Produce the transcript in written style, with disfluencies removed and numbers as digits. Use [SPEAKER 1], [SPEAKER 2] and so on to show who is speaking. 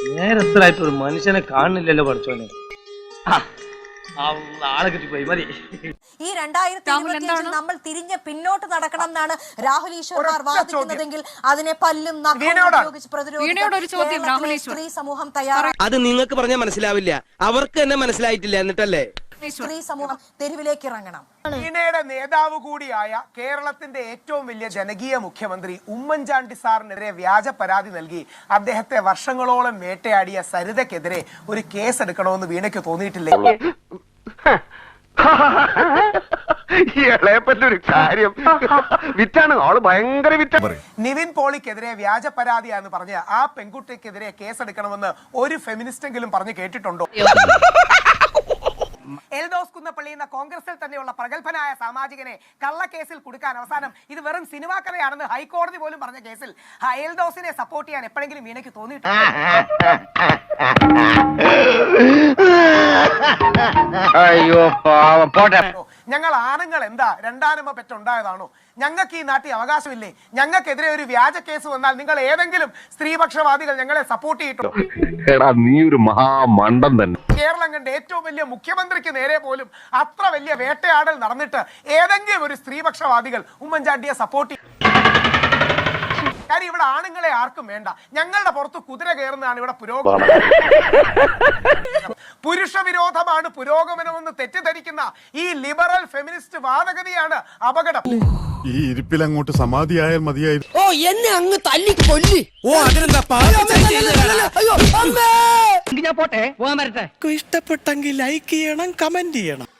[SPEAKER 1] നേരത്തിലായിട്ട് ഒരു മനുഷ്യനെ കാണുന്നില്ലല്ലോ പഠിച്ചോനെ. ആളെ കിട്ടിപ്പോയി മതി.
[SPEAKER 2] ഈ 2025 നമ്മൾ തിരിഞ്ഞ് പിന്നോട്ട് നടക്കണം എന്നാണ് രാഹുൽ ഈശ്വർ വാദിക്കുന്നതെങ്കിൽ അതിനെ പല്ലും ഉപയോഗിച്ച് പ്രതിരോധിക്കാൻ സ്ത്രീ സമൂഹം തയ്യാറാണ്.
[SPEAKER 3] അത് നിങ്ങൾക്ക് പറഞ്ഞാൽ മനസ്സിലാവില്ല, അവർക്ക് തന്നെ മനസ്സിലായിട്ടില്ല. എന്നിട്ടല്ലേ
[SPEAKER 2] സ്ത്രീ സമൂഹം തെരുവിലേക്ക് ഇറങ്ങണം.
[SPEAKER 4] ചീനയുടെ നേതാവ് കൂടിയായ കേരളത്തിന്റെ ഏറ്റവും വലിയ ജനകീയ മുഖ്യമന്ത്രി ഉമ്മൻചാണ്ടി സാറിനെതിരെ വ്യാജ പരാതി നൽകി അദ്ദേഹത്തെ വർഷങ്ങളോളം വേട്ടയാടിയ സരിതയ്ക്കെതിരെ ഒരു കേസ് എടുക്കണമെന്ന് വീണയ്ക്ക് തോന്നിയിട്ടില്ലേ?
[SPEAKER 5] ഒരു കാര്യം വിറ്റാണ് ആള്, ഭയങ്കര വിറ്റ.
[SPEAKER 4] നിവിൻ പോളിക്കെതിരെ വ്യാജ പരാതിയാന്ന് പറഞ്ഞ് ആ പെൺകുട്ടിക്കെതിരെ കേസെടുക്കണമെന്ന് ഒരു ഫെമിനിസ്റ്റെങ്കിലും പറഞ്ഞു കേട്ടിട്ടുണ്ടോ? എൽദോസ് കുന്നപ്പള്ളി എന്ന കോൺഗ്രസിൽ തന്നെയുള്ള പ്രഗത്ഭനായ സാമാജികനെ കള്ളക്കേസിൽ കൊടുക്കാൻ അവസാനം ഇത് വെറും സിനിമാ കഥയാണെന്ന് ഹൈക്കോടതി പോലും പറഞ്ഞ കേസിൽ എൽദോസിനെ സപ്പോർട്ട് ചെയ്യാൻ എപ്പോഴെങ്കിലും വീണയ്ക്ക് തോന്നിയിട്ടുണ്ട്?
[SPEAKER 5] അയ്യോ പാവം, പോട്ടെ.
[SPEAKER 4] ഞങ്ങൾ ആണുങ്ങൾ എന്താ രണ്ടാനമ്മ പെറ്റുണ്ടായതാണോ? ഞങ്ങൾക്ക് ഈ നാട്ടിൽ അവകാശമില്ലേ? ഞങ്ങൾക്കെതിരെ ഒരു വ്യാജ കേസ് വന്നാൽ നിങ്ങൾ ഏതെങ്കിലും സ്ത്രീപക്ഷവാദികൾ ഞങ്ങളെ സപ്പോർട്ട് ചെയ്തിട്ടുണ്ടോ?
[SPEAKER 5] നീ ഒരു മഹാമണ്ടൻ തന്നെ.
[SPEAKER 4] കേരളം കണ്ട ഏറ്റവും വലിയ മുഖ്യമന്ത്രിക്ക് നേരെ പോലും അത്ര വലിയ വേട്ടയാടൽ നടന്നിട്ട് ഏതെങ്കിലും ഒരു സ്ത്രീപക്ഷവാദികൾ ഉമ്മൻചാണ്ടിയെ സപ്പോർട്ട് ചെയ്യും? കാര്യം ഇവിടെ ആണുങ്ങളെ ആർക്കും വേണ്ട. ഞങ്ങളുടെ പുറത്ത് കുതിര കയറുന്നതാണ് ഇവിടെ പുരോഗമനം. പുരുഷ വിരോധമാണ് പുരോഗമനമെന്ന് തെറ്റിദ്ധരിക്കുന്ന ഈ ലിബറൽ ഫെമിനിസ്റ്റ് വാദഗതിയാണ് അപകടം.
[SPEAKER 6] ഈ ഇരിപ്പിൽ അങ്ങോട്ട് സമാധിയായാൽ മതിയായിരുന്നു.
[SPEAKER 3] ഓ എന്നെ അങ്ങ് തല്ലി കൊല്ലി. ഓ അതിനെന്താ
[SPEAKER 7] ഇഷ്ടപ്പെട്ടെങ്കിൽ ലൈക്ക് ചെയ്യണം, കമന്റ് ചെയ്യണം.